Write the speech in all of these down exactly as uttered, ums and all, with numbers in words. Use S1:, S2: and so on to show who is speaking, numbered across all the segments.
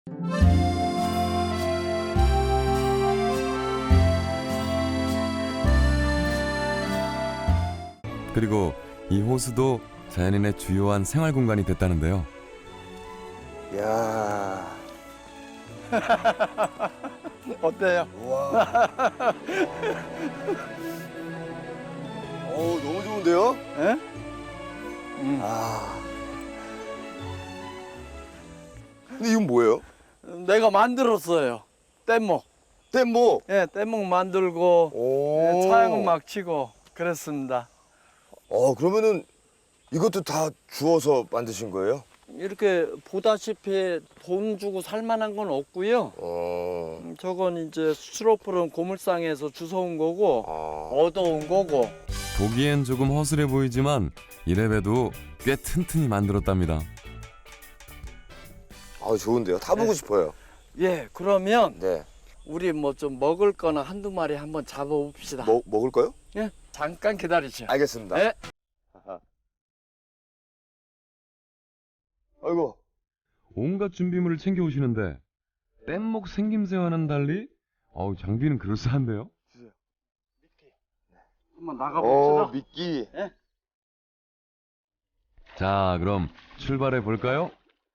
S1: 그리고 이 호수도 자연인의 주요한 생활 공간이 됐다는데요.
S2: 야.
S3: 어때요?
S2: 와. 어, 너무 좋은데요?
S3: 예? 음.
S2: 아. 근데 이건 뭐예요?
S3: 내가 만들었어요. 뗏목.
S2: 뗏목.
S3: 예, 뗏목 만들고
S2: 오.
S3: 예, 차양은 막 치고 그랬습니다.
S2: 어, 그러면은 이것도 다 주워서 만드신 거예요?
S3: 이렇게 보다시피 돈 주고 살 만한 건 없고요.
S2: 어.
S3: 음, 저건 이제 스티로폼 고물상에서 주워온 거고
S2: 아.
S3: 얻어온 거고.
S1: 보기엔 조금 허술해 보이지만 이래봬도 꽤 튼튼히 만들었답니다.
S2: 아, 좋은데요. 타보고
S3: 네.
S2: 싶어요.
S3: 예, 그러면
S2: 네.
S3: 우리 뭐 좀 먹을 거나 한두 마리 한번 잡아봅시다.
S2: 먹 먹을까요?
S3: 예, 잠깐 기다리죠.
S2: 알겠습니다.
S3: 예.
S2: 아이고.
S1: 온갖 준비물을 챙겨 오시는데 뗏목 생김새와는 달리 어우, 장비는 그럴싸한데요.
S3: 한번
S2: 어,
S3: 나가봅시다.
S2: 미끼.
S1: 자, 그럼 출발해 볼까요?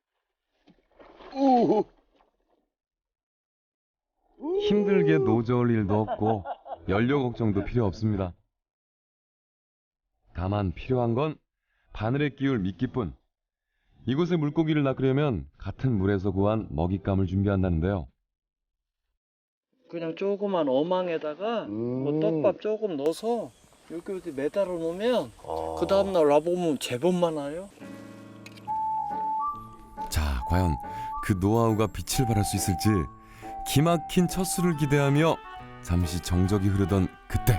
S2: 오.
S1: 힘들게 노저을 일도 없고 연료 걱정도 필요 없습니다. 다만 필요한 건 바늘에 끼울 미끼뿐. 이곳에 물고기를 낚으려면 같은 물에서 구한 먹잇감을 준비한다는데요.
S3: 그냥 조그만 어망에다가
S2: 음.
S3: 뭐 떡밥 조금 넣어서 여기 어디 매달아 놓으면
S2: 아.
S3: 그 다음날 와보면 제법 많아요.
S1: 자, 과연 그 노하우가 빛을 발할 수 있을지 기막힌 첫 수를 기대하며 잠시 정적이 흐르던 그때.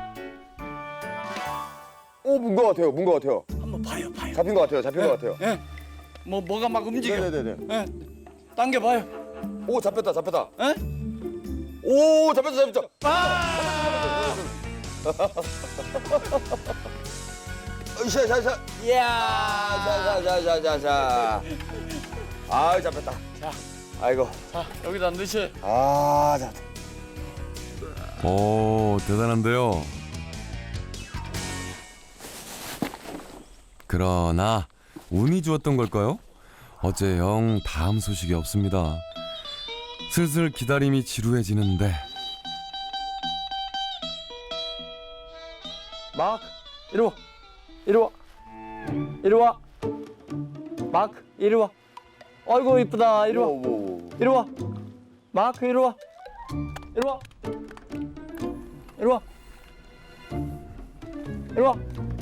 S2: 오, 문 것 같아요. 문 것 같아요.
S3: 한번 봐요, 봐요.
S2: 잡힌 것 같아요. 잡힌 것 같아요.
S3: 예. 뭐 뭐가 막 움직여.
S2: 네네네.
S3: 예. 당겨봐요.
S2: 오, 잡혔다, 잡혔다.
S3: 예?
S2: 오, 잡혔다, 잡혔다.
S3: 아!
S2: 으쌰, 샤, 샤.
S3: 이야.
S2: 자, 자, 자, 자, 자, 자. 아, 잡혔다.
S3: 자.
S2: 아이고.
S3: 자, 여기다 넣으시.
S2: 아, 잡.
S1: 오, 대단한데요. 그러나 운이 좋았던 걸까요? 어째 영 다음 소식이 없습니다. 슬슬 기다림이 지루해지는데
S3: 막 이리 와. 이리 와. 이리 와. 막 이리 와. 아이고 이쁘다. 이리 와.
S2: 오, 오, 오.
S3: 이리 와. 마크 이리 와. 이리 와. 이리 와. 이리 와.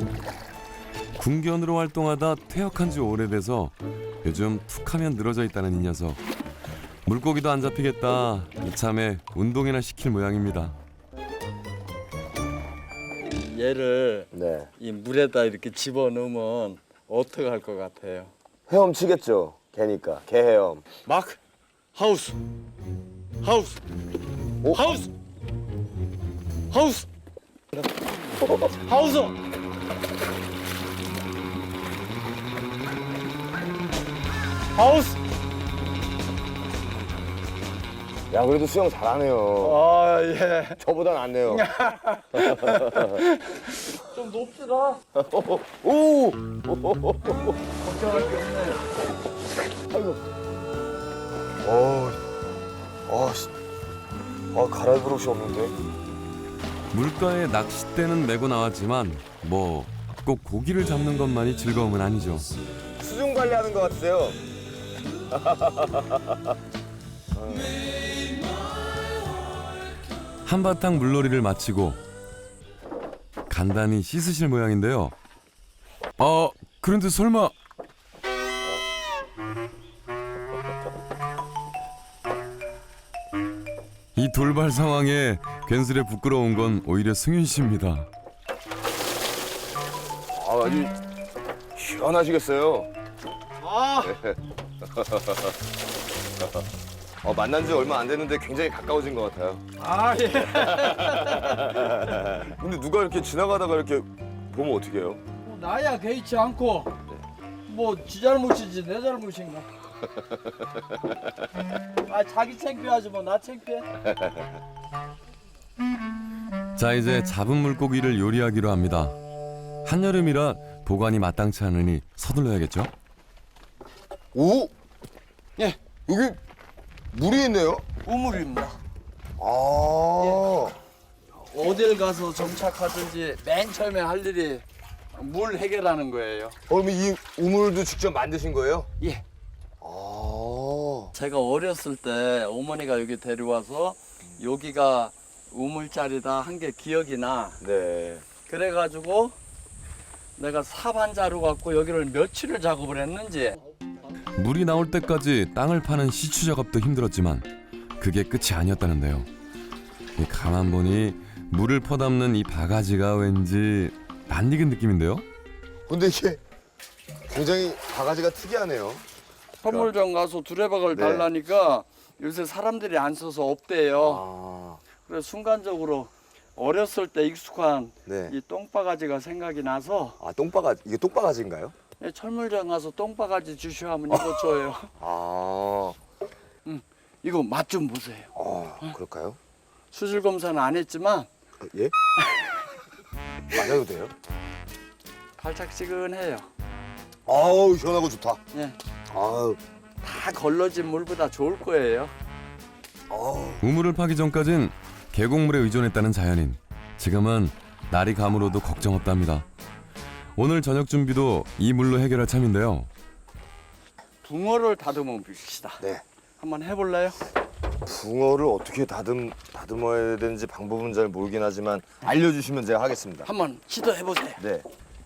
S1: 군견으로 활동하다 퇴역한 지 오래돼서 요즘 툭하면 늘어져 있다는 이 녀석. 물고기도 안 잡히겠다. 이참에 운동이나 시킬 모양입니다.
S3: 얘를
S2: 네.
S3: 이 물에다 이렇게 집어 넣으면 어떻게 할 것 같아요?
S2: 헤엄치겠죠. 개니까. 개 헤엄.
S3: 마크 하우스 하우스
S2: 오?
S3: 하우스 하우스 하우스 하우스.
S2: 야, 그래도 수영 잘하네요.
S3: 아 예.
S2: 저보다 낫네요.
S3: 좀 높시다.
S2: 오!
S3: 걱정할 게 없네.
S2: 아이고. 어, 아, 씨. 아, 갈아입을 옷이 없는데.
S1: 물가에 낚싯대는 메고 나왔지만 뭐 꼭 고기를 잡는 것만이 즐거움은 아니죠.
S2: 수중 관리하는 것 같으세요?
S1: 한바탕 물놀이를 마치고 간단히 씻으실 모양인데요. 어, 그런데 설마 이 돌발 상황에 괜스레 부끄러운 건 오히려 승윤 씨입니다.
S2: 아, 아주 시원하시겠어요.
S3: 아.
S2: 어, 만난 지 얼마 안 됐는데 굉장히 가까워진 것 같아요.
S3: 아 예.
S2: 근데 누가 이렇게 지나가다가 이렇게 보면 어떡해요?
S3: 나야 개의치 않고 뭐 지 잘못이지 내 잘못인가? 아 자기 창피하지 뭐 나 창피해?
S1: 자, 이제 잡은 물고기를 요리하기로 합니다. 한여름이라 보관이 마땅치 않으니 서둘러야겠죠?
S2: 오,
S3: 예,
S2: 여기 물이 있네요.
S3: 우물입니다.
S2: 아,
S3: 어딜 가서 정착하든지 맨 처음에 할 일이 물 해결하는 거예요.
S2: 어, 그러면 이 우물도 직접 만드신 거예요?
S3: 예.
S2: 아,
S3: 제가 어렸을 때 어머니가 여기 데려와서 여기가 우물자리다 한 게 기억이 나.
S2: 네.
S3: 그래가지고 내가 사반자루 갖고 여기를 며칠을 작업을 했는지.
S1: 물이 나올 때까지 땅을 파는 시추 작업도 힘들었지만 그게 끝이 아니었다는데요. 이 가만 보니 물을 퍼담는 이 바가지가 왠지 낯익은 느낌인데요.
S2: 근데 이게 굉장히 바가지가 특이하네요.
S3: 선물점 가서 두레박을
S2: 네.
S3: 달라니까 요새 사람들이 안 써서 없대요.
S2: 아,
S3: 그래서 순간적으로 어렸을 때 익숙한
S2: 네.
S3: 이 똥바가지가 생각이 나서
S2: 아, 똥바가지, 이게 똥바가지인가요?
S3: 철물점 가서 똥바가지 주시오 하면 이거 줘요.
S2: 아,
S3: 이거 맛 좀 보세요.
S2: 아, 그럴까요?
S3: 수질 검사는 안 했지만
S2: 아, 예? 맞아도 돼요?
S3: 발짝지근해요.
S2: 아우, 시원하고 좋다.
S3: 예,
S2: 아우,
S3: 다 걸러진 물보다 좋을 거예요.
S2: 아우.
S1: 우물을 파기 전까진 계곡물에 의존했다는 자연인. 지금은 날이 감으로도 걱정 없답니다. 오늘 저녁 준비도 이 물로 해결할 참인데요.
S3: 붕어를 다듬어 봅시다.
S2: 네.
S3: 한번 해볼래요?
S2: 붕어를 어떻게 다듬, 다듬어야 되는지 방법은 잘 모르긴 하지만 알려주시면 제가 하겠습니다.
S3: 한번 시도해 보세요.
S2: 네.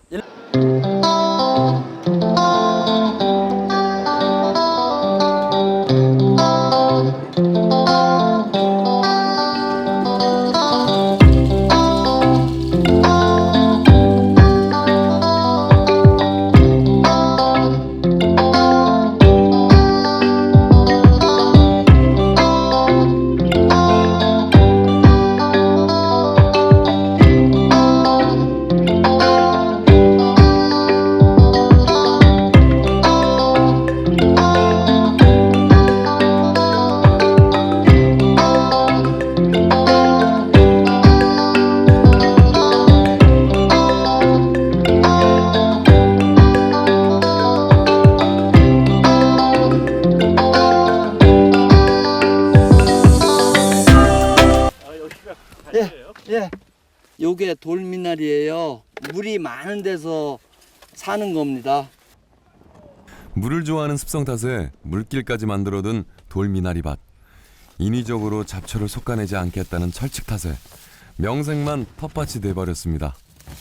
S3: 예, 요게 돌미나리예요. 물이 많은 데서 사는 겁니다.
S1: 물을 좋아하는 습성 탓에 물길까지 만들어둔 돌미나리밭. 인위적으로 잡초를 솎아내지 않겠다는 철칙 탓에 명색만 텃밭이 돼버렸습니다.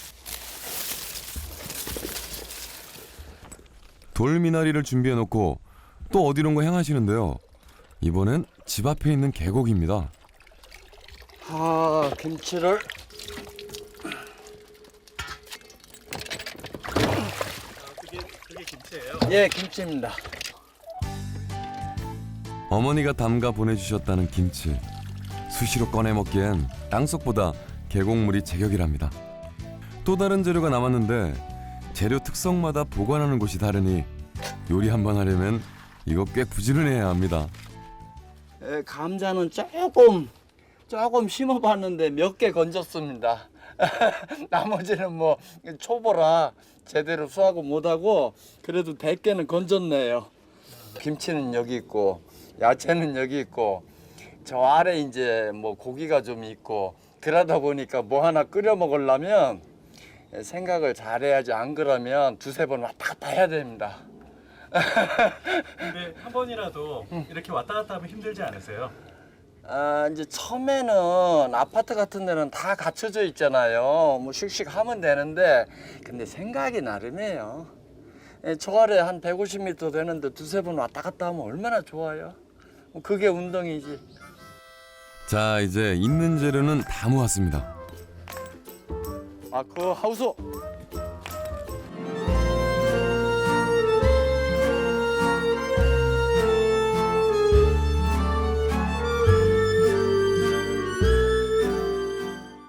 S1: 돌미나리를 준비해놓고 또 어디론가 향하시는데요. 이번엔 집 앞에 있는 계곡입니다.
S3: 아, 김치를
S4: 그게 그게 김치예요?
S3: 예, 김치입니다.
S1: 어머니가 담가 보내주셨다는 김치. 수시로 꺼내 먹기엔 땅속보다 계곡물이 제격이랍니다. 또 다른 재료가 남았는데 재료 특성마다 보관하는 곳이 다르니 요리 한번 하려면 이거 꽤 부지런해야 합니다.
S3: 에, 감자는 조금 조금 심어봤는데 몇 개 건졌습니다. 나머지는 뭐 초보라 제대로 수확을 못하고 그래도 백 개는 건졌네요. 김치는 여기 있고 야채는 여기 있고 저 아래 이제 뭐 고기가 좀 있고 그러다 보니까 뭐 하나 끓여 먹으려면 생각을 잘해야지, 안 그러면 두세 번 왔다 갔다 해야 됩니다.
S4: 근데 한 번이라도 이렇게 왔다 갔다 하면 힘들지 않으세요?
S3: 아, 이제 처음에는 아파트 같은 데는 다 갖춰져 있잖아요. 뭐 씩씩 하면 되는데 근데 생각이 나름이에요. 예, 저 아래 한 백오십 미터 되는데 두세 번 왔다 갔다 하면 얼마나 좋아요. 뭐 그게 운동이지.
S1: 자, 이제 있는 재료는 다 모았습니다.
S3: 마크 하우스.